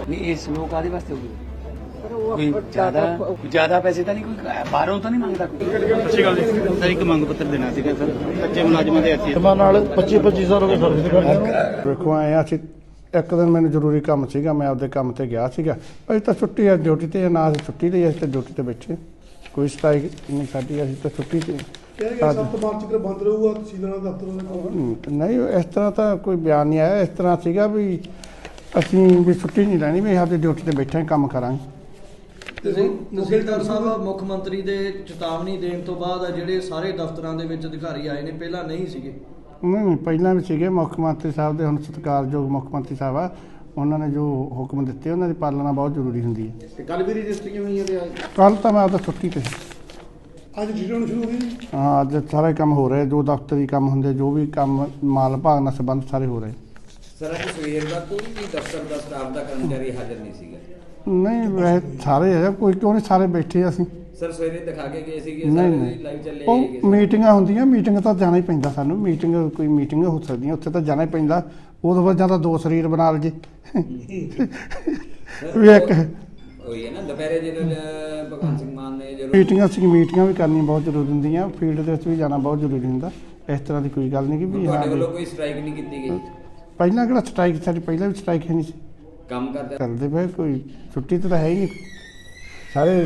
नहीं ये स्लो कादे वास्ते होगी कोई ज्यादा पैसे तो नहीं कोई बाहरों तो नहीं मांगता कोई ਅੱਛੀ ਗੱਲ ਜੀ ਸਰ ਇੱਕ ਮੰਗ ਪੱਤਰ ਦੇਣਾ ਸੀਗਾ ਸਰ ਕੱਚੇ ਮੁਲਾਜ਼ਮਾਂ ਦੇ ਹੱਥੀ ਨਾਲ 25 ਸਾਲ ਹੋ ਗਏ ਸਰਵਿਸ ਕਰਦੇ ਵੇਖੋ ਆਏ ਆ ਅਸੀਂ ਇੱਕ ਦਿਨ ਮੈਨੂੰ ਜ਼ਰੂਰੀ ਕੰਮ ਸੀਗਾ ਮੈਂ ਆਪਦੇ ਕੰਮ ਤੇ ਗਿਆ ਸੀਗਾ ਅਸੀਂ ਤਾਂ ਛੁੱਟੀ ਆ ਡਿਊਟੀ ਤੇ ਨਾ ਅਸੀਂ ਛੁੱਟੀ ਲਈ ਅਸੀਂ ਤਾਂ ਡਿਊਟੀ ਤੇ ਬੈਠੇ ਕੋਈ ਸਟ੍ਰਾਈਕ ਨਹੀਂ ਸਾਡੀ ਅਸੀਂ ਤਾਂ ਛੁੱਟੀ ਤੇ 7 ਮਾਰਚ ਤੱਕ ਬੰਦ ਰਹੂਗਾ ਤਹਿਸੀਲਦਾਰ ਦਫ਼ਤਰ ਨਹੀਂ ਇਸ ਤਰ੍ਹਾਂ ਤਾਂ ਕੋਈ ਬਿਆਨ ਨਹੀਂ ਆਇਆ ਇਸ ਤਰ੍ਹਾਂ ਸੀਗਾ ਵੀ ਅਸੀਂ ਵੀ ਛੁੱਟੀ ਨਹੀਂ ਲੈਣੀ ਵੀ ਆਪਦੀ ਡਿਊਟੀ ਤੇ ਬੈਠੇ ਕੰਮ ਕਰਾਂਗੇ ਤਹਿਸੀਲਦਾਰ ਸਾਹਿਬ ਮੁੱਖ ਮੰਤਰੀ ਦੇ ਚੇਤਾਵਨੀ ਦੇਣ ਤੋਂ ਬਾਅਦ ਜਿਹੜੇ ਸਾਰੇ ਦਫ਼ਤਰਾਂ ਦੇ ਵਿੱਚ ਅਧਿਕਾਰੀ ਆਏ ਨੇ ਪਹਿਲਾਂ ਨਹੀਂ ਸੀਗੇ ਨਹੀਂ ਪਹਿਲਾਂ ਵੀ ਸੀਗੇ ਮੁੱਖ ਮੰਤਰੀ ਸਾਹਿਬ ਦੇ ਹੁਣ ਸਤਿਕਾਰਯੋਗ ਮੁੱਖ ਮੰਤਰੀ ਸਾਹਿਬ ਆ ਉਹਨਾਂ ਨੇ ਜੋ ਹੁਕਮ ਦਿੱਤੇ ਉਹਨਾਂ ਦੀ ਪਾਲਣਾ ਬਹੁਤ ਜ਼ਰੂਰੀ ਹੁੰਦੀ ਹੈ ਤੇ ਕੱਲ ਵੀ ਰਜਿਸਟਰੀਆਂ ਹੋਈਆਂ ਤੇ ਕੱਲ ਤਾਂ ਮੈਂ ਆਪਦਾ ਛੁੱਟੀ ਤੇ ਅੱਜ ਡਿਊਟੀ ਹੋਣੀ ਸ਼ੁਰੂ ਹੋ ਗਈ ਹਾਂ ਅੱਜ ਸਾਰੇ ਕੰਮ ਹੋ ਰਹੇ ਜੋ ਦਫ਼ਤਰੀ ਕੰਮ ਹੁੰਦੇ ਜੋ ਵੀ ਕੰਮ ਮਾਲ ਭਾਗ ਨਾਲ ਸੰਬੰਧ ਸਾਰੇ ਹੋ ਰਹੇ ਸਰ ਅੱਜ ਸਵੇਰ ਦਾ ਕੋਈ ਵੀ ਦਫ਼ਤਰ ਦਾ ਸਟਾਫ ਦਾ ਕਰਮਚਾਰੀ ਹਾਜ਼ਰ ਨਹੀਂ ਸੀਗਾ ਨਹੀਂ ਵੈਸੇ ਸਾਰੇ ਹੈ ਕੋਈ ਕਿਉਂ ਨਹੀਂ ਸਾਰੇ ਬੈਠੇ ਅਸੀਂ ਸਰ ਸਵੇਰੇ ਦਿਖਾ ਕੇ ਗਏ ਸੀਗੇ ਨਹੀਂ ਸਾਰੇ ਨਹੀਂ ਲਾਈਵ ਚੱਲੇ ਉਹ ਹੈਗੇ ਮੀਟਿੰਗਾਂ ਹੁੰਦੀਆਂ ਮੀਟਿੰਗ ਤਾਂ ਜਾਣਾ ਹੀ ਪੈਂਦਾ ਸਾਨੂੰ ਮੀਟਿੰਗ ਕੋਈ ਮੀਟਿੰਗ ਹੋ ਸਕਦੀਆਂ ਉੱਥੇ ਤਾਂ ਜਾਣਾ ਹੀ ਪੈਂਦਾ ਉਦੋਂ ਬਾਅਦ ਜਾਂ ਤਾਂ ਦੋ ਸਰੀਰ ਬਣਾ ਲਜੇ ਵੀ ਇੱਕ ਹੋਈ ਹੈ ਨਾ ਦੁਪਹਿਰੇ ਜਦੋਂ ਭਗਵੰਤ ਸਿੰਘ ਮਾਨ ਨੇ ਜਦੋਂ ਮੀਟਿੰਗਾਂ ਵੀ ਕਰਨੀਆਂ ਬਹੁਤ ਜ਼ਰੂਰੀ ਹੁੰਦੀਆਂ ਫੀਲਡ ਦੇ ਵਿੱਚ ਵੀ ਜਾਣਾ ਬਹੁਤ ਜ਼ਰੂਰੀ ਹੁੰਦਾ ਇਸ ਤਰ੍ਹਾਂ ਦੀ ਕੋਈ ਗੱਲ ਨਹੀਂ ਕਿ ਵੀ ਹਾਂ ਤੁਹਾਡੇ ਵੱਲੋਂ ਕੋਈ ਸਟ੍ਰਾਈਕ ਨਹੀਂ ਕੀਤੀ ਗਈ ਪਹਿਲਾਂ ਕਿਹੜਾ ਸਟ੍ਰਾਈਕ ਸਾਡੀ ਪਹਿਲਾਂ ਵੀ ਸਟ੍ਰਾਈਕ ਹੈ ਨਹੀਂ ਸੀ ਕੰਮ ਕਰਦੇ ਕਰਦੇ ਪਏ ਕੋਈ ਛੁੱਟੀ ਤਾਂ ਹੈ ਹੀ ਨਹੀਂ ਸਾਰੇ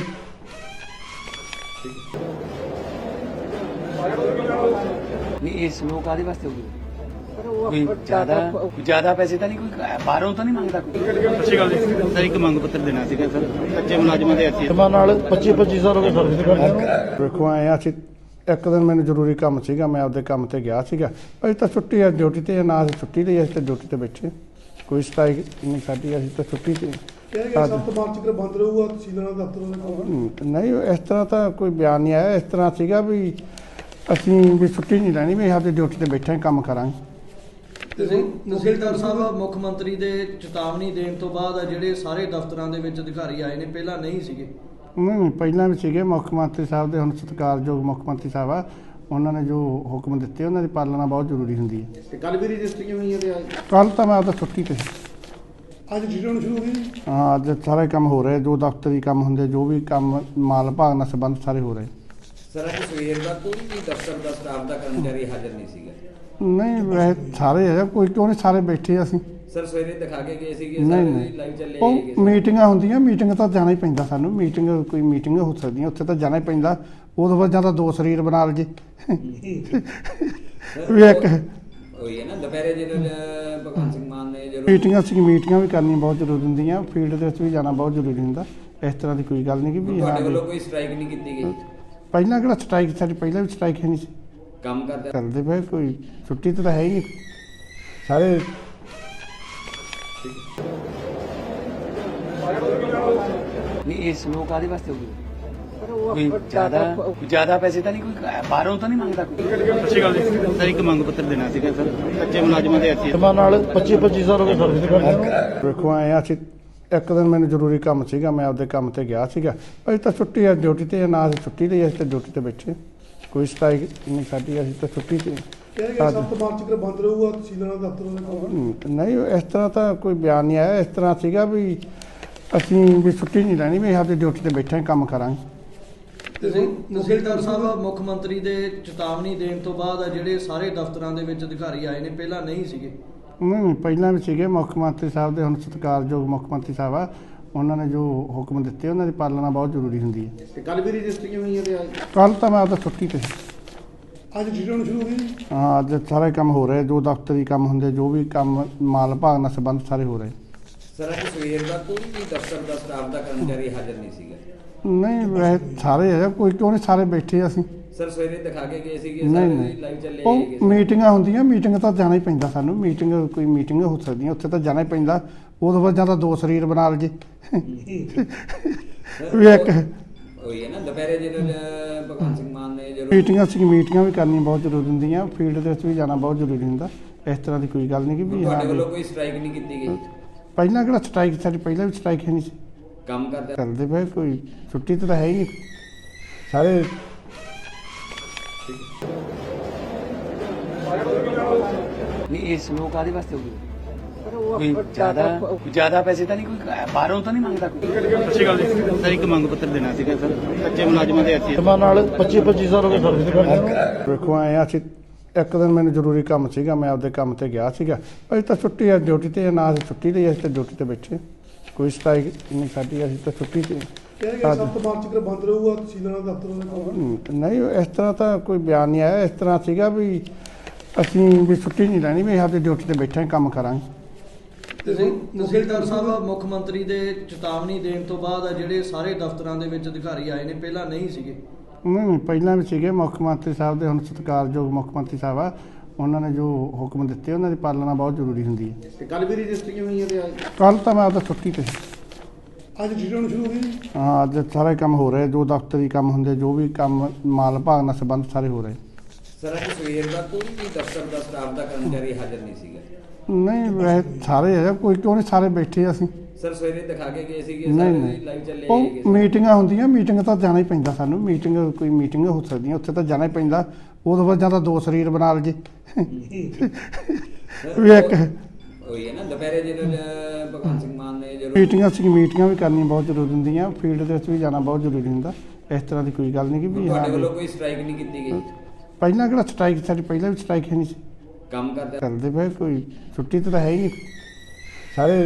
नहीं ये स्लो कादे वास्ते होगी कोई ज्यादा पैसे तो नहीं कोई बाहरों तो नहीं मांगता कोई ਅੱਛੀ ਗੱਲ ਜੀ ਸਰ ਇੱਕ ਮੰਗ ਪੱਤਰ ਦੇਣਾ ਸੀਗਾ ਸਰ ਕੱਚੇ ਮੁਲਾਜ਼ਮਾਂ ਦੇ ਹੱਥੀ ਨਾਲ 25 ਸਾਲ ਹੋ ਗਏ ਸਰਵਿਸ ਕਰਦੇ ਵੇਖੋ ਆਏ ਆ ਅਸੀਂ ਇੱਕ ਦਿਨ ਮੈਨੂੰ ਜ਼ਰੂਰੀ ਕੰਮ ਸੀਗਾ ਮੈਂ ਆਪਦੇ ਕੰਮ ਤੇ ਗਿਆ ਸੀਗਾ ਅਸੀਂ ਤਾਂ ਛੁੱਟੀ ਆ ਡਿਊਟੀ ਤੇ ਨਾ ਅਸੀਂ ਛੁੱਟੀ ਲਈ ਅਸੀਂ ਤਾਂ ਡਿਊਟੀ ਤੇ ਬੈਠੇ ਕੋਈ ਸਟ੍ਰਾਈਕ ਨਹੀਂ ਸਾਡੀ ਅਸੀਂ ਤਾਂ ਛੁੱਟੀ ਤੇ 7 ਮਾਰਚ ਤੱਕ ਬੰਦ ਰਹੂਗਾ ਤਹਿਸੀਲਦਾਰ ਦਫ਼ਤਰ ਨਹੀਂ ਇਸ ਤਰ੍ਹਾਂ ਤਾਂ ਕੋਈ ਬਿਆਨ ਨਹੀਂ ਆਇਆ ਇਸ ਤਰ੍ਹਾਂ ਸੀਗਾ ਵੀ ਅਸੀਂ ਵੀ ਛੁੱਟੀ ਨਹੀਂ ਲੈਣੀ ਵੀ ਆਪਦੀ ਡਿਊਟੀ ਤੇ ਬੈਠੇ ਕੰਮ ਕਰਾਂਗੇ ਤਹਿਸੀਲਦਾਰ ਸਾਹਿਬ ਮੁੱਖ ਮੰਤਰੀ ਦੇ ਚੇਤਾਵਨੀ ਦੇਣ ਤੋਂ ਬਾਅਦ ਜਿਹੜੇ ਸਾਰੇ ਦਫ਼ਤਰਾਂ ਦੇ ਵਿੱਚ ਅਧਿਕਾਰੀ ਆਏ ਨੇ ਪਹਿਲਾਂ ਨਹੀਂ ਸੀਗੇ ਨਹੀਂ ਪਹਿਲਾਂ ਵੀ ਸੀਗੇ ਮੁੱਖ ਮੰਤਰੀ ਸਾਹਿਬ ਦੇ ਹੁਣ ਸਤਿਕਾਰਯੋਗ ਮੁੱਖ ਮੰਤਰੀ ਸਾਹਿਬ ਆ ਉਹਨਾਂ ਨੇ ਜੋ ਹੁਕਮ ਦਿੱਤੇ ਉਹਨਾਂ ਦੀ ਪਾਲਣਾ ਬਹੁਤ ਜ਼ਰੂਰੀ ਹੁੰਦੀ ਹੈ ਤੇ ਕੱਲ ਵੀ ਰਜਿਸਟਰੀਆਂ ਹੋਈਆਂ ਤੇ ਕੱਲ ਤਾਂ ਮੈਂ ਆਪਦਾ ਛੁੱਟੀ ਤੇ ਅੱਜ ਡਿਊਟੀ ਹੋਣੀ ਸ਼ੁਰੂ ਹੋ ਗਈ ਹਾਂ ਅੱਜ ਸਾਰੇ ਕੰਮ ਹੋ ਰਹੇ ਜੋ ਦਫ਼ਤਰੀ ਕੰਮ ਹੁੰਦੇ ਜੋ ਵੀ ਕੰਮ ਮਾਲ ਭਾਗ ਨਾਲ ਸੰਬੰਧ ਸਾਰੇ ਹੋ ਰਹੇ ਸਰ ਅੱਜ ਸਵੇਰ ਦਾ ਕੋਈ ਵੀ ਦਫ਼ਤਰ ਦਾ ਸਟਾਫ ਦਾ ਕਰਮਚਾਰੀ ਹਾਜ਼ਰ ਨਹੀਂ ਸੀਗਾ ਨਹੀਂ ਵੈਸੇ ਸਾਰੇ ਹੈ ਕੋਈ ਕਿਉਂ ਨਹੀਂ ਸਾਰੇ ਬੈਠੇ ਅਸੀਂ ਸਰ ਸਵੇਰੇ ਦਿਖਾ ਕੇ ਗਏ ਸੀਗੇ ਨਹੀਂ ਸਾਰੇ ਨਹੀਂ ਲਾਈਵ ਚੱਲੇ ਉਹ ਹੈਗੇ ਮੀਟਿੰਗਾਂ ਹੁੰਦੀਆਂ ਮੀਟਿੰਗ ਤਾਂ ਜਾਣਾ ਹੀ ਪੈਂਦਾ ਸਾਨੂੰ ਕੋਈ ਮੀਟਿੰਗ ਹੋ ਸਕਦੀਆਂ ਉੱਥੇ ਤਾਂ ਜਾਣਾ ਹੀ ਪੈਂਦਾ ਉਦੋਂ ਬਾਅਦ ਜਾਂ ਤਾਂ ਦੋ ਸਰੀਰ ਬਣਾ ਲਜੇ ਵੀ ਇੱਕ ਹੋਈ ਹੈ ਨਾ ਦੁਪਹਿਰੇ ਜਦੋਂ ਭਗਵੰਤ ਸਿੰਘ ਮਾਨ ਨੇ ਜਦੋਂ ਮੀਟਿੰਗਾਂ ਵੀ ਕਰਨੀਆਂ ਬਹੁਤ ਜ਼ਰੂਰੀ ਹੁੰਦੀਆਂ ਫੀਲਡ ਦੇ ਵਿੱਚ ਵੀ ਜਾਣਾ ਬਹੁਤ ਜ਼ਰੂਰੀ ਹੁੰਦਾ ਇਸ ਤਰ੍ਹਾਂ ਦੀ ਕੋਈ ਗੱਲ ਨਹੀਂ ਕਿ ਵੀ ਹਾਂ ਤੁਹਾਡੇ ਵੱਲੋਂ ਕੋਈ ਸਟ੍ਰਾਈਕ ਨਹੀਂ ਕੀਤੀ ਗਈ ਪਹਿਲਾਂ ਕਿਹੜਾ ਸਟ੍ਰਾਈਕ ਸਾਡੀ ਪਹਿਲਾਂ ਵੀ ਸਟ੍ਰਾਈਕ ਹੈ ਨਹੀਂ ਸੀ ਕੰਮ ਕਰਦੇ ਕਰਦੇ ਪਏ ਕੋਈ ਛੁੱਟੀ ਤਾਂ ਹੈ ਹੀ ਨਹੀਂ ਸਾਰੇ नहीं ये स्लो कादे वास्ते होगी कोई ज्यादा पैसे तो नहीं कोई बाहरों तो नहीं मांगता कोई ਅੱਛੀ ਗੱਲ ਜੀ ਸਰ ਇੱਕ ਮੰਗ ਪੱਤਰ ਦੇਣਾ ਸੀਗਾ ਸਰ ਕੱਚੇ ਮੁਲਾਜ਼ਮਾਂ ਦੇ ਹੱਥੀ ਨਾਲ 25 ਸਾਲ ਹੋ ਗਏ ਸਰਵਿਸ ਕਰਦੇ ਵੇਖੋ ਆਏ ਆ ਅਸੀਂ ਇੱਕ ਦਿਨ ਮੈਨੂੰ ਜ਼ਰੂਰੀ ਕੰਮ ਸੀਗਾ ਮੈਂ ਆਪਦੇ ਕੰਮ ਤੇ ਗਿਆ ਸੀਗਾ ਅਸੀਂ ਤਾਂ ਛੁੱਟੀ ਆ ਡਿਊਟੀ ਤੇ ਨਾ ਅਸੀਂ ਛੁੱਟੀ ਲਈ ਅਸੀਂ ਤਾਂ ਡਿਊਟੀ ਤੇ ਬੈਠੇ ਕੋਈ ਸਟ੍ਰਾਈਕ ਨਹੀਂ ਸਾਡੀ ਅਸੀਂ ਤਾਂ ਛੁੱਟੀ ਤੇ 7 ਮਾਰਚ ਤੱਕ ਬੰਦ ਰਹੂਗਾ ਤਹਿਸੀਲਦਾਰ ਦਫ਼ਤਰ ਨਹੀਂ ਇਸ ਤਰ੍ਹਾਂ ਤਾਂ ਕੋਈ ਬਿਆਨ ਨਹੀਂ ਆਇਆ ਇਸ ਤਰ੍ਹਾਂ ਸੀਗਾ ਵੀ ਅਸੀਂ ਵੀ ਛੁੱਟੀ ਨਹੀਂ ਲੈਣੀ ਵੀ ਆਪਦੀ ਡਿਊਟੀ ਤੇ ਬੈਠੇ ਕੰਮ ਕਰਾਂਗੇ ਤਹਿਸੀਲਦਾਰ ਸਾਹਿਬ ਮੁੱਖ ਮੰਤਰੀ ਦੇ ਚੇਤਾਵਨੀ ਦੇਣ ਤੋਂ ਬਾਅਦ ਜਿਹੜੇ ਸਾਰੇ ਦਫ਼ਤਰਾਂ ਦੇ ਵਿੱਚ ਅਧਿਕਾਰੀ ਆਏ ਨੇ ਪਹਿਲਾਂ ਨਹੀਂ ਸੀਗੇ ਨਹੀਂ ਪਹਿਲਾਂ ਵੀ ਸੀਗੇ ਮੁੱਖ ਮੰਤਰੀ ਸਾਹਿਬ ਦੇ ਹੁਣ ਸਤਿਕਾਰਯੋਗ ਮੁੱਖ ਮੰਤਰੀ ਸਾਹਿਬ ਆ ਉਹਨਾਂ ਨੇ ਜੋ ਹੁਕਮ ਦਿੱਤੇ ਉਹਨਾਂ ਦੀ ਪਾਲਣਾ ਬਹੁਤ ਜ਼ਰੂਰੀ ਹੁੰਦੀ ਹੈ ਤੇ ਕੱਲ ਵੀ ਰਜਿਸਟਰੀਆਂ ਹੋਈਆਂ ਤੇ ਕੱਲ ਤਾਂ ਮੈਂ ਆਪਦਾ ਛੁੱਟੀ ਤੇ ਅੱਜ ਡਿਊਟੀ ਹੋਣੀ ਸ਼ੁਰੂ ਹੋ ਗਈ ਹਾਂ ਅੱਜ ਸਾਰੇ ਕੰਮ ਹੋ ਰਹੇ ਜੋ ਦਫ਼ਤਰੀ ਕੰਮ ਹੁੰਦੇ ਜੋ ਵੀ ਕੰਮ ਮਾਲ ਭਾਗ ਨਾਲ ਸੰਬੰਧ ਸਾਰੇ ਹੋ ਰਹੇ ਸਰ ਅੱਜ ਸਵੇਰ ਦਾ ਕੋਈ ਵੀ ਦਫ਼ਤਰ ਦਾ ਸਟਾਫ ਦਾ ਕਰਮਚਾਰੀ ਹਾਜ਼ਰ ਨਹੀਂ ਸੀਗਾ ਨਹੀਂ ਵੈਸੇ ਸਾਰੇ ਹੈ ਕੋਈ ਕਿਉਂ ਨਹੀਂ ਸਾਰੇ ਬੈਠੇ ਅਸੀਂ ਸਰ ਸਵੇਰੇ ਦਿਖਾ ਕੇ ਗਏ ਸੀਗੇ ਨਹੀਂ ਸਾਰੇ ਨਹੀਂ ਲਾਈਵ ਚੱਲੇ ਉਹ ਹੈਗੇ ਮੀਟਿੰਗਾਂ ਹੁੰਦੀਆਂ ਮੀਟਿੰਗ ਤਾਂ ਜਾਣਾ ਹੀ ਪੈਂਦਾ ਸਾਨੂੰ ਕੋਈ ਮੀਟਿੰਗ ਹੋ ਸਕਦੀਆਂ ਉੱਥੇ ਤਾਂ ਜਾਣਾ ਹੀ ਪੈਂਦਾ ਉਦੋਂ ਬਾਅਦ ਜਾਂ ਤਾਂ ਦੋ ਸਰੀਰ ਬਣਾ ਲਜੇ ਵੀ ਇੱਕ ਹੋਈ ਹੈ ਨਾ ਦੁਪਹਿਰੇ ਜਦੋਂ ਭਗਵੰਤ ਸਿੰਘ ਮਾਨ ਨੇ ਜਦੋਂ ਮੀਟਿੰਗਾਂ ਵੀ ਕਰਨੀਆਂ ਬਹੁਤ ਜ਼ਰੂਰੀ ਹੁੰਦੀਆਂ ਫੀਲਡ ਦੇ ਵਿੱਚ ਵੀ ਜਾਣਾ ਬਹੁਤ ਜ਼ਰੂਰੀ ਹੁੰਦਾ ਇਸ ਤਰ੍ਹਾਂ ਦੀ ਕੋਈ ਗੱਲ ਨਹੀਂ ਕਿ ਵੀ ਹਾਂ ਤੁਹਾਡੇ ਵੱਲੋਂ ਕੋਈ ਸਟ੍ਰਾਈਕ ਨਹੀਂ ਕੀਤੀ ਗਈ ਪਹਿਲਾਂ ਕਿਹੜਾ ਸਟ੍ਰਾਈਕ ਸਾਡੀ ਪਹਿਲਾਂ ਵੀ ਸਟ੍ਰਾਈਕ ਹੈ ਨਹੀਂ ਸੀ ਕੰਮ ਕਰਦੇ ਕਰਦੇ ਪਏ ਕੋਈ ਛੁੱਟੀ ਤਾਂ ਹੈ ਹੀ ਨਹੀਂ ਸਾਰੇ नहीं ये स्लो कादे वास्ते होगी ਕੋਈ ਜ਼ਿਆਦਾ ਪੈਸੇ ਤਾਂ ਨਹੀਂ ਕੋਈ ਬਾਹਰੋਂ ਤਾਂ ਨਹੀਂ ਮੰਗਦਾ ਕੋਈ। ਸਰ ਇੱਕ ਮੰਗ ਪੱਤਰ ਦੇਣਾ ਸੀਗਾ ਸਰ ਕੱਚੇ ਮੁਲਾਜ਼ਮਾਂ ਦੇ ਅਸੀਂ ਨਾਲ 25 ਸਾਲ ਹੋ ਗਏ ਸਰਵਿਸ ਕਰਦੇ ਵੇਖੋ ਆਏ ਆ ਅਸੀਂ ਇੱਕ ਦਿਨ ਮੈਨੂੰ ਜ਼ਰੂਰੀ ਕੰਮ ਸੀਗਾ, ਮੈਂ ਆਪਦੇ ਕੰਮ ਤੇ ਗਿਆ ਸੀਗਾ। ਅਸੀਂ ਤਾਂ ਛੁੱਟੀ ਆ ਡਿਊਟੀ ਤੇ, ਨਾ ਅਸੀਂ ਛੁੱਟੀ ਲਈ, ਅਸੀਂ ਤਾਂ ਡਿਊਟੀ ਤੇ ਬੈਠੇ, ਕੋਈ ਸਟ੍ਰਾਈਕ ਨਹੀਂ ਸਾਡੀ, ਅਸੀਂ ਤਾਂ ਛੁੱਟੀ ਤੇ। ਕਿਹਾ ਗਿਆ 7 ਮਾਰਚ ਤੱਕ ਬੰਦ ਰਹੂਗਾ ਤਹਿਸੀਲਦਾਰ ਦਫ਼ਤਰਾਂ ਦੇ ਕੰਮ। ਨਹੀਂ ਇਸ ਤਰ੍ਹਾਂ ਤਾਂ ਕੋਈ ਬਿਆਨ ਨਹੀਂ ਆਇਆ। ਇਸ ਤਰ੍ਹਾਂ ਸੀਗਾ ਵੀ ਅਸੀਂ ਵੀ ਛੁੱਟੀ ਨਹੀਂ ਲੈਣੀ, ਵੀ ਆਪਦੀ ਡਿਊਟੀ ਤੇ ਬੈਠੇ ਕੰਮ ਕਰਾਂਗੇ। ਤਹਿਸੀਲਦਾਰ ਸਾਹਿਬ ਮੁੱਖ ਮੰਤਰੀ ਦੇ ਚੇਤਾਵਨੀ ਦੇਣ ਤੋਂ ਬਾਅਦ ਜਿਹੜੇ ਸਾਰੇ ਦਫ਼ਤਰਾਂ ਦੇ ਵਿੱਚ ਅਧਿਕਾਰੀ ਆਏ ਨੇ, ਪਹਿਲਾਂ ਨਹੀਂ ਸੀਗੇ। ਨਹੀਂ ਪਹਿਲਾਂ ਵੀ ਸੀਗੇ ਮੁੱਖ ਮੰਤਰੀ ਸਾਹਿਬ ਦੇ, ਹੁਣ ਸਤਿਕਾਰਯੋਗ ਮੁੱਖ ਮੰਤਰੀ ਸਾਹਿਬ ਆ, ਉਹਨਾਂ ਨੇ ਜੋ ਹੁਕਮ ਦਿੱਤੇ ਉਹਨਾਂ ਦੀ ਪਾਲਣਾ ਬਹੁਤ ਜ਼ਰੂਰੀ ਹੁੰਦੀ ਹੈ। ਤੇ ਕੱਲ ਵੀ ਰਜਿਸਟਰੀਆਂ ਹੋਈਆਂ ਤੇ ਅੱਜ ਕੱਲ ਤਾਂ ਮੈਂ ਆਪਦਾ ਛੁੱਟੀ ਤੇ ਸੀ। ਅੱਜ ਡਿਊਟੀ ਹੋਣੀ ਸ਼ੁਰੂ ਹੋ ਗਈ ਜੀ। ਹਾਂ ਅੱਜ ਸਾਰੇ ਕੰਮ ਹੋ ਰਹੇ, ਜੋ ਦਫ਼ਤਰੀ ਕੰਮ ਹੁੰਦੇ, ਜੋ ਵੀ ਕੰਮ ਮਾਲ ਭਾਗ ਨਾਲ ਸੰਬੰਧ ਸਾਰੇ ਹੋ ਰਹੇ। ਸਰ ਅੱਜ ਸਵੇਰ ਦਾ ਕੋਈ ਵੀ ਦਫ਼ਤਰ ਦਾ ਸਟਾਫ ਦਾ ਕਰਮਚਾਰੀ ਹਾਜ਼ਰ ਨਹੀਂ ਸੀਗਾ। ਨਹੀਂ ਵੈਸੇ ਸਾਰੇ ਹੈ, ਕੋਈ ਕਿਉਂ ਨਹੀਂ, ਸਾਰੇ ਬੈਠੇ ਅਸੀਂ। ਸਰ ਸਵੇਰੇ ਦਿਖਾ ਕੇ ਗਏ ਸੀਗੇ, ਨਹੀਂ ਸਾਰੇ ਨਹੀਂ ਲਾਈਵ ਚੱਲੇ ਉਹ ਹੈਗੇ। ਮੀਟਿੰਗਾਂ ਹੁੰਦੀਆਂ, ਮੀਟਿੰਗ ਤਾਂ ਜਾਣਾ ਹੀ ਪੈਂਦਾ ਸਾਨੂੰ। ਮੀਟਿੰਗ ਕੋਈ ਮੀਟਿੰਗ ਹੋ ਸਕਦੀਆਂ, ਉੱਥੇ ਤਾਂ ਜਾਣਾ ਹੀ ਪੈਂਦਾ। ਉਦੋਂ ਬਾਅਦ ਜਾਂ ਤਾਂ ਦੋ ਸਰੀਰ ਬਣਾ ਲਈਏ ਵੀ ਇੱਕ ਉਹੀ ਹੈ ਨਾ ਦੁਪਹਿਰੇ ਜਦੋਂ ਭਗਵੰਤ ਸਿੰਘ ਮਾਨ ਨੇ ਜਦੋਂ ਮੀਟਿੰਗਾਂ ਵੀ ਕਰਨੀਆਂ ਬਹੁਤ ਜ਼ਰੂਰੀ ਹੁੰਦੀਆਂ, ਫੀਲਡ ਦੇ ਵਿੱਚ ਵੀ ਜਾਣਾ ਬਹੁਤ ਜ਼ਰੂਰੀ ਹੁੰਦਾ। ਇਸ ਤਰ੍ਹਾਂ ਦੀ ਕੋਈ ਗੱਲ ਨਹੀਂ ਕਿ ਵੀ ਤੁਹਾਡੇ ਹਾਂ ਵੱਲੋਂ ਕੋਈ ਸਟ੍ਰਾਈਕ ਨਹੀਂ ਕੀਤੀ ਗਈ। ਪਹਿਲਾਂ ਕਿਹੜਾ ਸਟ੍ਰਾਈਕ, ਸਾਡੀ ਪਹਿਲਾਂ ਵੀ ਸਟ੍ਰਾਈਕ ਹੈ ਨਹੀਂ ਸੀ ਕੰਮ ਕਰਦੇ ਕਰਦੇ ਪਏ, ਕੋਈ ਛੁੱਟੀ ਤਾਂ ਹੈ ਹੀ ਨਹੀਂ ਸਾਰੇ।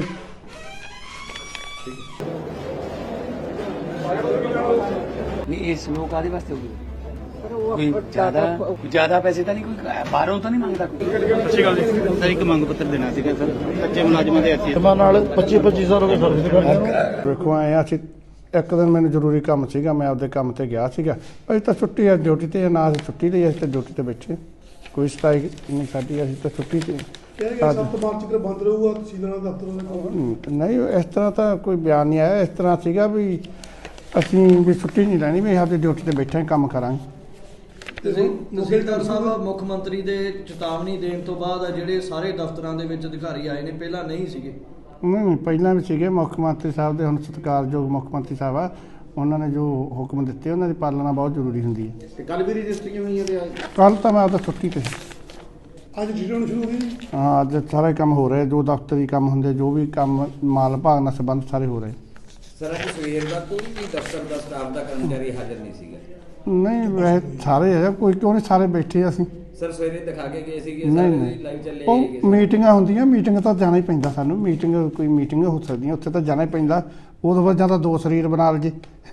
ਨਹੀਂ ਇਹ ਸਲੋ ਕਾਹਦੇ ਵਾਸਤੇ ਹੋਊਗੀ? ਕੋਈ ਜ਼ਿਆਦਾ ਪੈਸੇ ਤਾਂ ਨਹੀਂ ਕੋਈ ਬਾਹਰੋਂ ਤਾਂ ਨਹੀਂ ਮੰਗਦਾ ਕੋਈ। ਸਰ ਇੱਕ ਮੰਗ ਪੱਤਰ ਦੇਣਾ ਸੀਗਾ ਸਰ ਕੱਚੇ ਮੁਲਾਜ਼ਮਾਂ ਦੇ ਅਸੀਂ ਨਾਲ 25 ਸਾਲ ਹੋ ਗਏ ਸਰਵਿਸ ਕਰਦੇ ਵੇਖੋ ਆਏ ਆ ਅਸੀਂ ਇੱਕ ਦਿਨ ਮੈਨੂੰ ਜ਼ਰੂਰੀ ਕੰਮ ਸੀਗਾ, ਮੈਂ ਆਪਦੇ ਕੰਮ ਤੇ ਗਿਆ ਸੀਗਾ। ਅਸੀਂ ਤਾਂ ਛੁੱਟੀ ਆ ਡਿਊਟੀ ਤੇ, ਨਾ ਅਸੀਂ ਛੁੱਟੀ ਲਈ, ਅਸੀਂ ਤਾਂ ਡਿਊਟੀ ਤੇ ਬੈਠੇ, ਕੋਈ ਸਟ੍ਰਾਈਕ ਨਹੀਂ ਸਾਡੀ, ਅਸੀਂ ਤਾਂ ਛੁੱਟੀ ਤੇ। ਕਿਹਾ ਗਿਆ 7 ਮਾਰਚ ਤੱਕ ਬੰਦ ਰਹੂਗਾ ਤਹਿਸੀਲਦਾਰ ਦਫ਼ਤਰਾਂ ਦੇ ਕੰਮ। ਨਹੀਂ ਇਸ ਤਰ੍ਹਾਂ ਤਾਂ ਕੋਈ ਬਿਆਨ ਨਹੀਂ ਆਇਆ। ਇਸ ਤਰ੍ਹਾਂ ਸੀਗਾ ਵੀ ਅਸੀਂ ਵੀ ਛੁੱਟੀ ਨਹੀਂ ਲੈਣੀ, ਵੀ ਆਪਦੀ ਡਿਊਟੀ ਤੇ ਬੈਠੇ ਕੰਮ ਕਰਾਂਗੇ। ਤਹਿਸੀਲਦਾਰ ਸਾਹਿਬ ਮੁੱਖ ਮੰਤਰੀ ਦੇ ਚੇਤਾਵਨੀ ਦੇਣ ਤੋਂ ਬਾਅਦ ਜਿਹੜੇ ਸਾਰੇ ਦਫ਼ਤਰਾਂ ਦੇ ਵਿੱਚ ਅਧਿਕਾਰੀ ਆਏ ਨੇ, ਪਹਿਲਾਂ ਨਹੀਂ ਸੀਗੇ। ਨਹੀਂ ਪਹਿਲਾਂ ਵੀ ਸੀਗੇ ਮੁੱਖ ਮੰਤਰੀ ਸਾਹਿਬ ਦੇ, ਹੁਣ ਸਤਿਕਾਰਯੋਗ ਮੁੱਖ ਮੰਤਰੀ ਸਾਹਿਬ ਆ, ਉਹਨਾਂ ਨੇ ਜੋ ਹੁਕਮ ਦਿੱਤੇ ਉਹਨਾਂ ਦੀ ਪਾਲਣਾ ਬਹੁਤ ਜ਼ਰੂਰੀ ਹੁੰਦੀ ਹੈ। ਤੇ ਕੱਲ ਵੀ ਰਜਿਸਟਰੀਆਂ ਹੋਈਆਂ ਤੇ ਅੱਜ ਕੱਲ ਤਾਂ ਮੈਂ ਆਪਦਾ ਛੁੱਟੀ ਤੇ ਸੀ। ਅੱਜ ਡਿਊਟੀ ਹੋਣੀ ਸ਼ੁਰੂ ਹੋ ਗਈ ਜੀ। ਹਾਂ ਅੱਜ ਸਾਰੇ ਕੰਮ ਹੋ ਰਹੇ, ਜੋ ਦਫ਼ਤਰੀ ਕੰਮ ਹੁੰਦੇ, ਜੋ ਵੀ ਕੰਮ ਮਾਲ ਭਾਗ ਨਾਲ ਸੰਬੰਧ ਸਾਰੇ ਹੋ ਰਹੇ। ਸਰ ਅੱਜ ਸਵੇਰ ਦਾ ਕੋਈ ਵੀ ਦਫ਼ਤਰ ਦਾ ਸਟਾਫ ਦਾ ਕਰਮਚਾਰੀ ਹਾਜ਼ਰ ਨਹੀਂ ਸੀਗਾ। ਨਹੀਂ ਵੈਸੇ ਸਾਰੇ ਹੈ, ਕੋਈ ਕਿਉਂ ਨਹੀਂ, ਸਾਰੇ ਬੈਠੇ ਅਸੀਂ। ਸਰ ਸਵੇਰੇ ਦਿਖਾ ਕੇ ਗਏ ਸੀਗੇ, ਨਹੀਂ ਸਾਰੇ ਨਹੀਂ ਲਾਈਵ ਚੱਲੇ ਹੈਗੇ। ਉਹ ਮੀਟਿੰਗਾਂ ਹੁੰਦੀਆਂ, ਮੀਟਿੰਗ ਤਾਂ ਜਾਣਾ ਹੀ ਪੈਂਦਾ ਸਾਨੂੰ। ਮੀਟਿੰਗ ਕੋਈ ਮੀਟਿੰਗ ਹੋ ਸਕਦੀਆਂ, ਉੱਥੇ ਤਾਂ ਜਾਣਾ ਹੀ ਪੈਂਦਾ। ਉਦੋਂ ਬਾਅਦ ਜਾਂ ਤਾਂ ਦੋ ਸਰੀਰ ਬਣਾ ਲਈਏ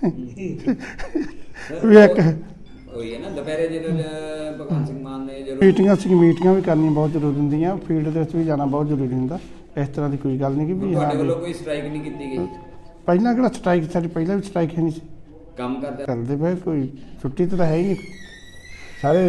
ਵੀ ਇੱਕ ਉਹੀ ਹੈ ਨਾ ਦੁਪਹਿਰੇ ਜਦੋਂ ਭਗਵੰਤ ਸਿੰਘ ਮਾਨ ਨੇ ਜਦੋਂ ਮੀਟਿੰਗਾਂ ਵੀ ਕਰਨੀਆਂ ਬਹੁਤ ਜ਼ਰੂਰੀ ਹੁੰਦੀਆਂ, ਫੀਲਡ ਦੇ ਵਿੱਚ ਵੀ ਜਾਣਾ ਬਹੁਤ ਜ਼ਰੂਰੀ ਹੁੰਦਾ। ਇਸ ਤਰ੍ਹਾਂ ਦੀ ਕੋਈ ਗੱਲ ਨਹੀਂ ਕਿ ਵੀ ਹਾਂ ਤੁਹਾਡੇ ਵੱਲੋਂ ਕੋਈ ਸਟ੍ਰਾਈਕ ਨਹੀਂ ਕੀਤੀ ਗਈ। ਪਹਿਲਾਂ ਕਿਹੜਾ ਸਟ੍ਰਾਈਕ, ਸਾਡੀ ਪਹਿਲਾਂ ਵੀ ਸਟ੍ਰਾਈਕ ਹੈ ਨਹੀਂ ਸੀ ਕੰਮ ਕਰਦੇ ਪਏ, ਕੋਈ ਛੁੱਟੀ ਤਾਂ ਹੈ ਹੀ ਨਹੀਂ ਸਾਰੇ।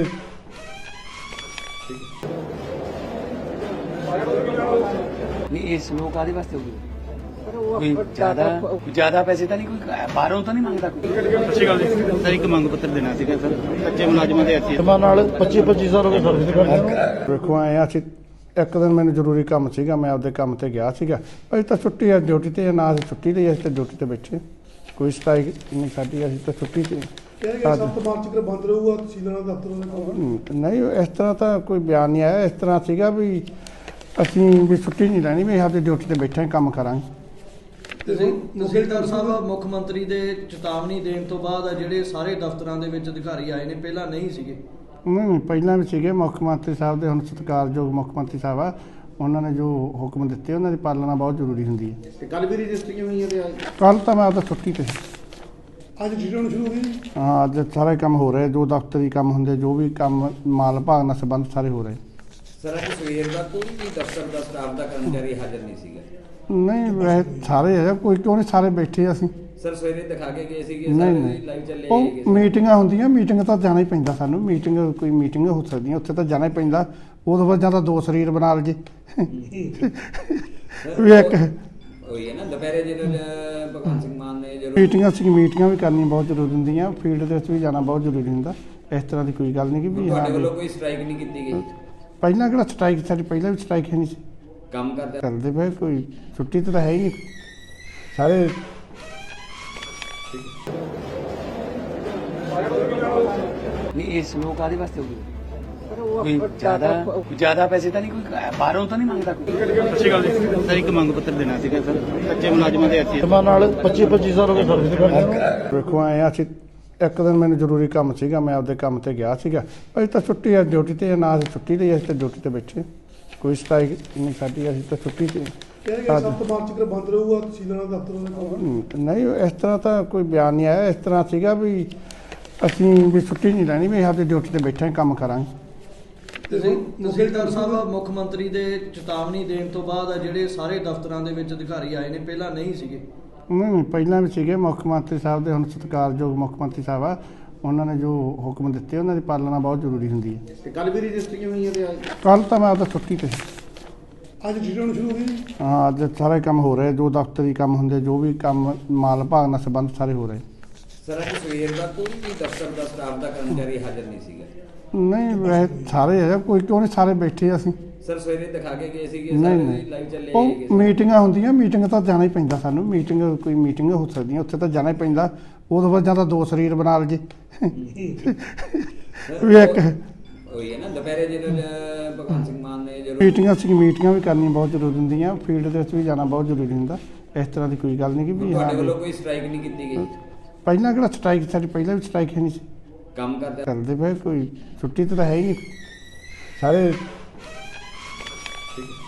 ਨਹੀਂ ਇਹ ਸਲੋ ਕਾਹਦੇ ਵਾਸਤੇ ਹੋਊਗੀ? ਕੋਈ ਜ਼ਿਆਦਾ ਪੈਸੇ ਤਾਂ ਨਹੀਂ ਕੋਈ ਬਾਹਰੋਂ ਤਾਂ ਨਹੀਂ ਮੰਗਦਾ ਕੋਈ। ਸਰ ਇੱਕ ਮੰਗ ਪੱਤਰ ਦੇਣਾ ਸੀਗਾ ਸਰ ਕੱਚੇ ਮੁਲਾਜ਼ਮਾਂ ਦੇ ਅਸੀਂ ਨਾਲ 25 ਸਾਲ ਹੋ ਗਏ ਸਰਵਿਸ ਕਰਦੇ ਵੇਖੋ ਆਏ ਆ ਅਸੀਂ ਇੱਕ ਦਿਨ ਮੈਨੂੰ ਜ਼ਰੂਰੀ ਕੰਮ ਸੀਗਾ, ਮੈਂ ਆਪਦੇ ਕੰਮ ਤੇ ਗਿਆ ਸੀਗਾ। ਅਸੀਂ ਤਾਂ ਛੁੱਟੀ ਆ ਡਿਊਟੀ ਤੇ, ਨਾ ਅਸੀਂ ਛੁੱਟੀ ਲਈ, ਅਸੀਂ ਤਾਂ ਡਿਊਟੀ ਤੇ ਬੈਠੇ, ਕੋਈ ਸਟ੍ਰਾਈਕ ਨਹੀਂ ਸਾਡੀ, ਅਸੀਂ ਤਾਂ ਛੁੱਟੀ ਤੇ। ਕਿਹਾ ਗਿਆ 7 ਮਾਰਚ ਤੱਕ ਬੰਦ ਰਹੂਗਾ ਤਹਿਸੀਲਦਾਰ ਦਫ਼ਤਰਾਂ ਦੇ ਕੰਮ। ਨਹੀਂ ਇਸ ਤਰ੍ਹਾਂ ਤਾਂ ਕੋਈ ਬਿਆਨ ਨਹੀਂ ਆਇਆ। ਇਸ ਤਰ੍ਹਾਂ ਸੀਗਾ ਵੀ ਅਸੀਂ ਵੀ ਛੁੱਟੀ ਨਹੀਂ ਲੈਣੀ, ਵੀ ਆਪਦੀ ਡਿਊਟੀ ਤੇ ਬੈਠੇ ਕੰਮ ਕਰਾਂਗੇ। ਤਹਿਸੀਲਦਾਰ ਸਾਹਿਬ ਮੁੱਖ ਮੰਤਰੀ ਦੇ ਚੇਤਾਵਨੀ ਦੇਣ ਤੋਂ ਬਾਅਦ ਜਿਹੜੇ ਸਾਰੇ ਦਫ਼ਤਰਾਂ ਦੇ ਵਿੱਚ ਅਧਿਕਾਰੀ ਆਏ ਨੇ, ਪਹਿਲਾਂ ਨਹੀਂ ਸੀਗੇ। ਨਹੀਂ ਪਹਿਲਾਂ ਵੀ ਸੀਗੇ ਮੁੱਖ ਮੰਤਰੀ ਸਾਹਿਬ ਦੇ, ਹੁਣ ਸਤਿਕਾਰਯੋਗ ਮੁੱਖ ਮੰਤਰੀ ਸਾਹਿਬ ਆ, ਉਹਨਾਂ ਨੇ ਜੋ ਹੁਕਮ ਦਿੱਤੇ ਉਹਨਾਂ ਦੀ ਪਾਲਣਾ ਬਹੁਤ ਜ਼ਰੂਰੀ ਹੁੰਦੀ ਹੈ। ਤੇ ਕੱਲ ਵੀ ਰਜਿਸਟਰੀਆਂ ਹੋਈਆਂ ਤੇ ਅੱਜ ਕੱਲ ਤਾਂ ਮੈਂ ਆਪਦਾ ਛੁੱਟੀ ਤੇ ਸੀ। ਅੱਜ ਡਿਊਟੀ ਹੋਣੀ ਸ਼ੁਰੂ ਹੋ ਗਈ ਜੀ। ਹਾਂ ਅੱਜ ਸਾਰੇ ਕੰਮ ਹੋ ਰਹੇ, ਜੋ ਦਫ਼ਤਰੀ ਕੰਮ ਹੁੰਦੇ, ਜੋ ਵੀ ਕੰਮ ਮਾਲ ਭਾਗ ਨਾਲ ਸੰਬੰਧ ਸਾਰੇ ਹੋ ਰਹੇ। ਸਰ ਅੱਜ ਸਵੇਰ ਦਾ ਕੋਈ ਵੀ ਦਫ਼ਤਰ ਦਾ ਸਟਾਫ ਦਾ ਕਰਮਚਾਰੀ ਹਾਜ਼ਰ ਨਹੀਂ ਸੀਗਾ। ਨਹੀਂ ਵੈਸੇ ਸਾਰੇ ਹੈ, ਕੋਈ ਕਿਉਂ ਨਹੀਂ, ਸਾਰੇ ਬੈਠੇ ਅਸੀਂ। ਸਰ ਸਵੇਰੇ ਦਿਖਾ ਕੇ ਗਏ ਸੀਗੇ, ਨਹੀਂ ਸਾਰੇ ਨਹੀਂ ਲਾਈਵ ਚੱਲੇ ਉਹ ਹੈਗੇ। ਮੀਟਿੰਗਾਂ ਹੁੰਦੀਆਂ, ਮੀਟਿੰਗ ਤਾਂ ਜਾਣਾ ਹੀ ਪੈਂਦਾ ਸਾਨੂੰ। ਮੀਟਿੰਗ ਕੋਈ ਮੀਟਿੰਗ ਹੋ ਸਕਦੀਆਂ, ਉੱਥੇ ਤਾਂ ਜਾਣਾ ਹੀ ਪੈਂਦਾ। ਉਦੋਂ ਬਾਅਦ ਜਾਂ ਤਾਂ ਦੋ ਸਰੀਰ ਬਣਾ ਲਈਏ ਵੀ ਇੱਕ ਉਹੀ ਹੈ ਨਾ ਦੁਪਹਿਰੇ ਜਦੋਂ ਭਗਵੰਤ ਸਿੰਘ ਮਾਨ ਨੇ ਜਦੋਂ ਮੀਟਿੰਗਾਂ ਵੀ ਕਰਨੀਆਂ ਬਹੁਤ ਜ਼ਰੂਰੀ ਹੁੰਦੀਆਂ, ਫੀਲਡ ਦੇ ਵਿੱਚ ਵੀ ਜਾਣਾ ਬਹੁਤ ਜ਼ਰੂਰੀ ਹੁੰਦਾ। ਇਸ ਤਰ੍ਹਾਂ ਦੀ ਕੋਈ ਗੱਲ ਨਹੀਂ ਕਿ ਵੀ ਤੁਹਾਡੇ ਹਾਂ ਵੱਲੋਂ ਕੋਈ ਸਟ੍ਰਾਈਕ ਨਹੀਂ ਕੀਤੀ ਗਈ। ਪਹਿਲਾਂ ਕਿਹੜਾ ਸਟ੍ਰਾਈਕ, ਸਾਡੀ ਪਹਿਲਾਂ ਵੀ ਸਟ੍ਰਾਈਕ ਹੈ ਨਹੀਂ ਸੀ ਕੰਮ ਕਰਦੇ ਪਏ, ਕੋਈ ਛੁੱਟੀ ਤਾਂ ਹੈ ਹੀ ਨਹੀਂ ਸਾਰੇ। ਨਹੀਂ ਇਹ ਸਲੋ ਕਾਹਦੇ ਵਾਸਤੇ ਹੋਊਗੀ? ਕੋਈ ਜ਼ਿਆਦਾ ਪੈਸੇ ਤਾਂ ਨਹੀਂ ਕੋਈ ਬਾਹਰੋਂ ਤਾਂ ਨਹੀਂ ਮੰਗਦਾ ਕੋਈ। ਸਰ ਇੱਕ ਮੰਗ ਪੱਤਰ ਦੇਣਾ ਸੀਗਾ ਸਰ ਕੱਚੇ ਮੁਲਾਜ਼ਮਾਂ ਦੇ ਹੱਥੀਂ ਨਾਲ 25 ਸਾਲ ਹੋ ਗਏ ਸਰਵਿਸ ਕਰਦੇ ਵੇਖੋ ਆਏ ਆ ਅਸੀਂ ਇੱਕ ਦਿਨ ਮੈਨੂੰ ਜ਼ਰੂਰੀ ਕੰਮ ਸੀਗਾ, ਮੈਂ ਆਪਦੇ ਕੰਮ ਤੇ ਗਿਆ ਸੀਗਾ। ਅਸੀਂ ਤਾਂ ਛੁੱਟੀ ਆ ਡਿਊਟੀ ਤੇ, ਨਾ ਅਸੀਂ ਛੁੱਟੀ ਲਈ, ਅਸੀਂ ਤਾਂ ਡਿਊਟੀ ਤੇ ਬੈਠੇ, ਕੋਈ ਸਟ੍ਰਾਈਕ ਨਹੀਂ ਸਾਡੀ, ਅਸੀਂ ਤਾਂ ਛੁੱਟੀ ਤੇ। ਕਹਿੰਦੇ ਕਿ 7 ਮਾਰਚ ਤੱਕ ਬੰਦ ਰਹੂਗਾ ਤਹਿਸੀਲਦਾਰ ਦਫ਼ਤਰ ਦੇ ਨਹੀਂ ਇਸ ਤਰ੍ਹਾਂ ਤਾਂ ਕੋਈ ਬਿਆਨ ਨਹੀਂ ਆਇਆ। ਇਸ ਤਰ੍ਹਾਂ ਸੀਗਾ ਵੀ ਅਸੀਂ ਵੀ ਛੁੱਟੀ ਨਹੀਂ ਲੈਣੀ, ਵੀ ਆਪਦੀ ਡਿਊਟੀ ਤੇ ਬੈਠੇ ਕੰਮ ਕਰਾਂਗੇ। ਤਹਿਸੀਲਦਾਰ ਸਾਹਿਬ ਮੁੱਖ ਮੰਤਰੀ ਦੇ ਚੇਤਾਵਨੀ ਦੇਣ ਤੋਂ ਬਾਅਦ ਜਿਹੜੇ ਸਾਰੇ ਦਫ਼ਤਰਾਂ ਦੇ ਵਿੱਚ ਅਧਿਕਾਰੀ ਆਏ ਨੇ, ਪਹਿਲਾਂ ਨਹੀਂ ਸੀਗੇ। ਨਹੀਂ ਪਹਿਲਾਂ ਵੀ ਸੀਗੇ ਮੁੱਖ ਮੰਤਰੀ ਸਾਹਿਬ ਦੇ, ਹੁਣ ਸਤਿਕਾਰਯੋਗ ਮੁੱਖ ਮੰਤਰੀ ਸਾਹਿਬ ਆ, ਉਹਨਾਂ ਨੇ ਜੋ ਹੁਕਮ ਦਿੱਤੇ ਉਹਨਾਂ ਦੀ ਪਾਲਣਾ ਬਹੁਤ ਜ਼ਰੂਰੀ ਹੁੰਦੀ ਹੈ। ਤੇ ਕੱਲ ਵੀ ਰਜਿਸਟਰੀਆਂ ਹੋਈਆਂ ਤੇ ਕੱਲ ਤਾਂ ਮੈਂ ਆਪਦਾ ਛੁੱਟੀ ਤੇ, ਅੱਜ ਡਿਊਟੀ ਹੋਣੀ ਸ਼ੁਰੂ ਹੋ ਗਈ। ਹਾਂ ਅੱਜ ਸਾਰੇ ਕੰਮ ਹੋ ਰਹੇ, ਜੋ ਦਫ਼ਤਰੀ ਕੰਮ ਹੁੰਦੇ, ਜੋ ਵੀ ਕੰਮ ਮਾਲ ਭਾਗ ਨਾਲ ਸੰਬੰਧ ਸਾਰੇ ਹੋ ਰਹੇ। ਸਰ ਅੱਜ ਸਵੇਰ ਦਾ ਕੋਈ ਵੀ ਦਫ਼ਤਰ ਦਾ ਸਟਾਫ ਦਾ ਕਰਮਚਾਰੀ ਹਾਜ਼ਰ ਨਹੀਂ ਸੀਗਾ। ਨਹੀਂ ਵੈਸੇ ਸਾਰੇ ਹੈ, ਕੋਈ ਕਿਉਂ ਨਹੀਂ, ਸਾਰੇ ਬੈਠੇ ਅਸੀਂ। ਸਰ ਸਵੇਰੇ ਦਿਖਾ ਕੇ ਗਏ ਸੀਗੇ, ਨਹੀਂ ਸਾਰੇ ਨਹੀਂ ਲਾਈਵ ਚੱਲੇ ਉਹ ਹੈਗੇ। ਮੀਟਿੰਗਾਂ ਹੁੰਦੀਆਂ, ਮੀਟਿੰਗ ਤਾਂ ਜਾਣਾ ਹੀ ਪੈਂਦਾ ਸਾਨੂੰ, ਮੀਟਿੰਗ ਕੋਈ ਮੀਟਿੰਗ ਹੋ ਸਕਦੀਆਂ, ਉੱਥੇ ਤਾਂ ਜਾਣਾ ਹੀ ਪੈਂਦਾ। ਉਦੋਂ ਬਾਅਦ ਜਾਂ ਤਾਂ ਦੋ ਸਰੀਰ ਬਣਾ ਲਜੇ ਵੀ ਇੱਕ ਹੋਈ ਹੈ ਨਾ ਦੁਪਹਿਰੇ ਜਦੋਂ ਭਗਵੰਤ ਸਿੰਘ ਮਾਨ ਨੇ ਜਦੋਂ ਮੀਟਿੰਗਾਂ ਵੀ ਕਰਨੀਆਂ ਬਹੁਤ ਜ਼ਰੂਰੀ ਹੁੰਦੀਆਂ, ਫੀਲਡ ਦੇ ਵਿੱਚ ਵੀ ਜਾਣਾ ਬਹੁਤ ਜ਼ਰੂਰੀ ਹੁੰਦਾ। ਇਸ ਤਰ੍ਹਾਂ ਦੀ ਕੋਈ ਗੱਲ ਨਹੀਂ ਕਿ ਵੀ ਹਾਂ ਤੁਹਾਡੇ ਵੱਲੋਂ ਕੋਈ ਸਟ੍ਰਾਈਕ ਨਹੀਂ ਕੀਤੀ ਗਈ, ਪਹਿਲਾਂ ਕਿਹੜਾ ਸਟ੍ਰਾਈਕ, ਸਾਡੀ ਪਹਿਲਾਂ ਵੀ ਸਟ੍ਰਾਈਕ ਹੈ ਨਹੀਂ ਸੀ, ਕੰਮ ਕਰਦੇ ਚੱਲਦੇ ਪਏ, ਕੋਈ ਛੁੱਟੀ ਤਾਂ ਹੈ ਹੀ ਨਹੀਂ ਸਾਰੇ।